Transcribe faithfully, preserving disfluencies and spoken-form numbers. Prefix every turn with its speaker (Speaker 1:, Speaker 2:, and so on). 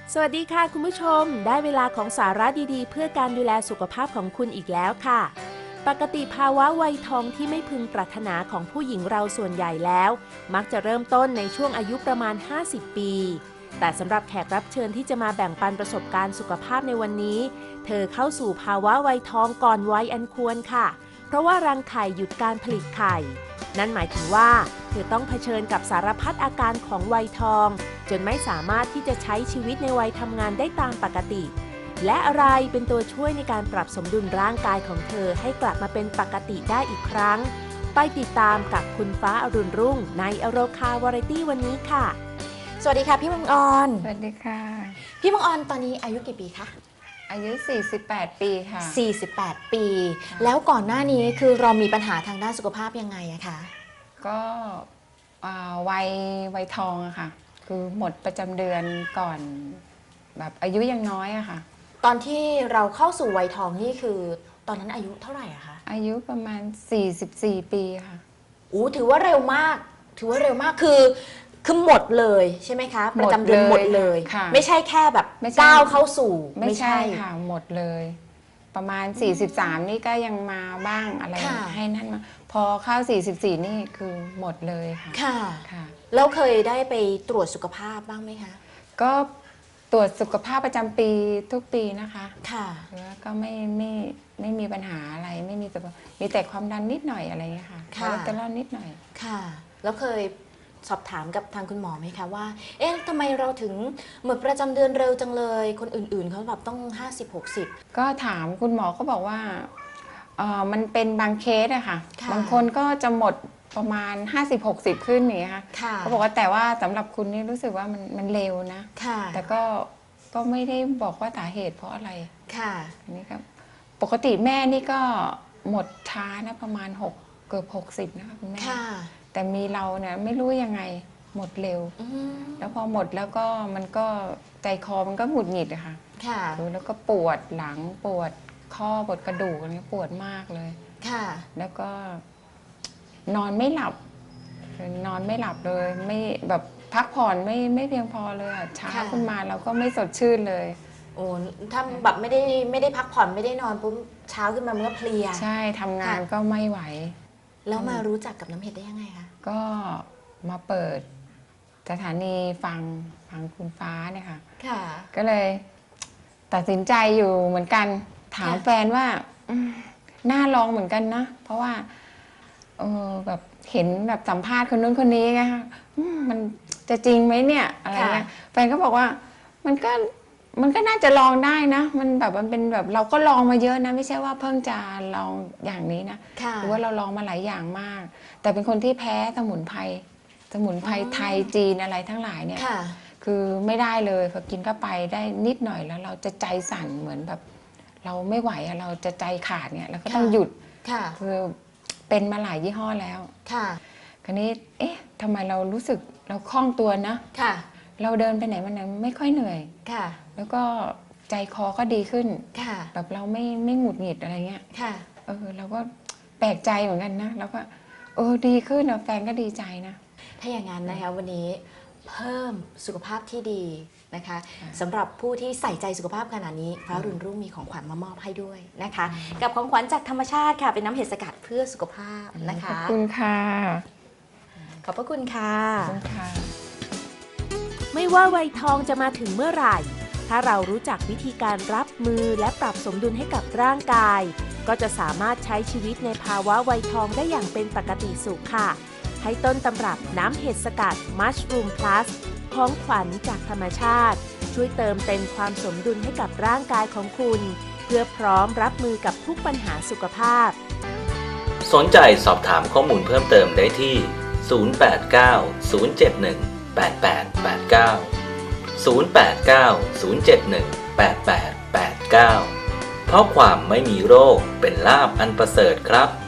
Speaker 1: สวัสดีค่ะคุณผู้ชมได้เวลาของสาระดีๆเพื่อการดูแลสุขภาพของคุณอีกแล้วค่ะปกติภาวะวัยทองที่ไม่พึงปรารถนาของผู้หญิงเราส่วนใหญ่แล้วมักจะเริ่มต้นในช่วงอายุประมาณห้าสิบปีแต่สำหรับแขกรับเชิญที่จะมาแบ่งปันประสบการณ์สุขภาพในวันนี้เธอเข้าสู่ภาวะวัยทองก่อนวัยอันควรค่ะเพราะว่ารังไข่หยุดการผลิตไข่นั่นหมายถึงว่าเธอต้องเผชิญกับสารพัดอาการของวัยทองจนไม่สามารถที่จะใช้ชีวิตในวัยทำงานได้ตามปกติและอะไรเป็นตัวช่วยในการปรับสมดุลร่างกายของเธอให้กลับมาเป็นปกติได้อีกครั้งไปติดตามกับคุณฟ้าอรุณรุ่งในอโรคาวาไรตี้วันนี้ค่ะ
Speaker 2: สวัสดีค่ะพี่มังออน
Speaker 3: สวัสดีค่ะ
Speaker 2: พี่มังออนตอนนี้อายุกี่ปีคะ
Speaker 3: อายุสี่สิบแปดปีค่ะ
Speaker 2: สี่สิบแปดปีแล้วก่อนหน้านี้คือเรามีปัญหาทางด้านสุขภาพยังไงอะคะ
Speaker 3: ก็วัยวัยทองอะค่ะคือหมดประจำเดือนก่อนแบบอายุยังน้อยอะค่ะ
Speaker 2: ตอนที่เราเข้าสู่วัยทองนี่คือตอนนั้นอายุเท่าไหร่อะคะ
Speaker 3: อายุประมาณสี่สิบสี่ปีค่ะ
Speaker 2: อู้ถือว่าเร็วมากถือว่าเร็วมากคือคือหมดเลยใช่ไหมคะประจำเดือนหมดเลยไม่ใช่แค่แบบก้าวเข้าสู่
Speaker 3: ไม่ใช่ค่ะหมดเลยประมาณสี่สิบสามนี่ก็ยังมาบ้างอะไรให้นั่นมาพอเข้าสี่สิบสี่นี่คือหมดเลยค่ะ
Speaker 2: ค่ะค่ะแล้วเคยได้ไปตรวจสุขภาพบ้างไหมคะ
Speaker 3: ก็ตรวจสุขภาพประจำปีทุกปีนะคะ
Speaker 2: ค่ะ
Speaker 3: แล้วก็ไม่ไม่ไม่มีปัญหาอะไรไม่มีแต่มีแต่ความดันนิดหน่อยอะไรเงี้ยค่ะคอเลสเตอรอลนิดหน่อย
Speaker 2: ค่ะแล้วเคยสอบถามกับทางคุณหมอไหมคะว่าเอ๊ะทำไมเราถึงหมดประจำเดือนเร็วจังเลยคนอื่นๆเขาแบบต้องห้าสิบ หกสิบ
Speaker 3: ก็ถามคุณหมอก็บอกว่าเออมันเป็นบางเคสอะค่ะบางคนก็จะหมดประมาณห้าสิบ หกสิบขึ้นนี่ค่ะเขาบอกว่าแต่ว่าสำหรับคุณนี่รู้สึกว่ามันมันเร็วนะแต่ก็ก็ไม่ได้บอกว่าสาเหตุเพราะอะไร
Speaker 2: ค่ะ
Speaker 3: นี่ครับปกติแม่นี่ก็หมดช้านะประมาณหกเกือบหกสิบนะคะคุณแม่แต่มีเราเนี่ยไม่รู้ยังไงหมดเร็วแล้วพอหมดแล้วก็มันก็ใจคอมันก็หงุดหงิดอะค่ะ
Speaker 2: ค่ะ
Speaker 3: แล้วก็ปวดหลังปวดข้อปวดกระดูกอะไรปวดมากเลย
Speaker 2: ค่ะ
Speaker 3: แล้วก็นอนไม่หลับนอนไม่หลับเลยไม่แบบพักผ่อนไม่ไม่เพียงพอเลยอะเช้าขึ้นมาเราก็ไม่สดชื่นเลย
Speaker 2: โอ้ถ้าแบบไม่ได้ไม่ได้พักผ่อนไม่ได้นอนปุ๊บเช้าขึ้นมามันก็เพลีย
Speaker 3: ใช่ทำงานก็ไม่ไหว
Speaker 2: แล้วมารู้จักกับน้ำเห็ดได้ยังไงคะ
Speaker 3: ก็มาเปิดสถานีฟังฟังคุณฟ้าเนี่ยค่ะ
Speaker 2: ค่ะ
Speaker 3: ก็เลยตัดสินใจอยู่เหมือนกันถามแฟนว่าน่าลองเหมือนกันนะเพราะว่าเออแบบเห็นแบบสัมภาษณ์คนนู้นคนนี้ไงคะมันจะจริงไหมเนี่ยอะไรเงี้ยแฟนก็บอกว่ามันก็มันก็น่าจะลองได้นะมันแบบมันเป็นแบบเราก็ลองมาเยอะนะไม่ใช่ว่าเพิ่งจะลองอย่างนี้นะหรือว่าเราลองมาหลายอย่างมากแต่เป็นคนที่แพ้สมุนไพรสมุนไพรไทยจีนอะไรทั้งหลายเนี่ยคือไม่ได้เลยพอกินเข้าไปได้นิดหน่อยแล้วเราจะใจสั่นเหมือนแบบเราไม่ไหวอะเราจะใจขาดเนี่ยเราก็ต้องหยุดคือเป็นมาหลายยี่ห้อแล้ว
Speaker 2: ค่ะ
Speaker 3: คราวนี้เอ๊ะทำไมเรารู้สึกเราคล่องตัวนะ
Speaker 2: ค่ะ
Speaker 3: เราเดินไปไหนมาไหนไม่ค่อยเหนื่อย
Speaker 2: ค่ะ
Speaker 3: แล้วก็ใจคอก็ดีขึ้น
Speaker 2: ค่ะ
Speaker 3: แบบเราไม่ไม่หงุดหงิดอะไรเงี้ย
Speaker 2: ค่ะ
Speaker 3: เออเราก็แปลกใจเหมือนกันนะแล้วก็เออดีขึ้นนะแฟนก็ดีใจนะ
Speaker 2: ถ้าอย่างนั้นนะคะวันนี้เพิ่มสุขภาพที่ดีนะคะสำหรับผู้ที่ใส่ใจสุขภาพขนาดนี้ฟ้ารุ่นรุ่งมีของขวัญมามอบให้ด้วยนะคะกับของขวัญจากธรรมชาติค่ะเป็นน้ำเห็ดสกัดเพื่อสุขภาพนะคะ
Speaker 3: ขอบคุณค่ะ
Speaker 2: ขอบพระคุณค่ะ
Speaker 3: ขอบคุณค่ะ
Speaker 1: ไม่ว่าวัยทองจะมาถึงเมื่อไหร่ถ้าเรารู้จักวิธีการรับมือและปรับสมดุลให้กับร่างกายก็จะสามารถใช้ชีวิตในภาวะวัยทองได้อย่างเป็นปกติสุขค่ะให้ต้นตำรับน้ำเห็ดสกัด Mushroom Plus ของขวัญจากธรรมชาติช่วยเติมเต็มความสมดุลให้กับร่างกายของคุณเพื่อพร้อมรับมือกับทุกปัญหาสุขภาพ
Speaker 4: สนใจสอบถามข้อมูลเพิ่มเติมได้ที่ ศูนย์ แปด เก้า ศูนย์ เจ็ด หนึ่ง แปด แปด แปด เก้า ศูนย์ แปด เก้า ศูนย์ เจ็ด หนึ่ง แปด แปด แปด เก้า เพราะความไม่มีโรคเป็นลาภอันประเสริฐครับ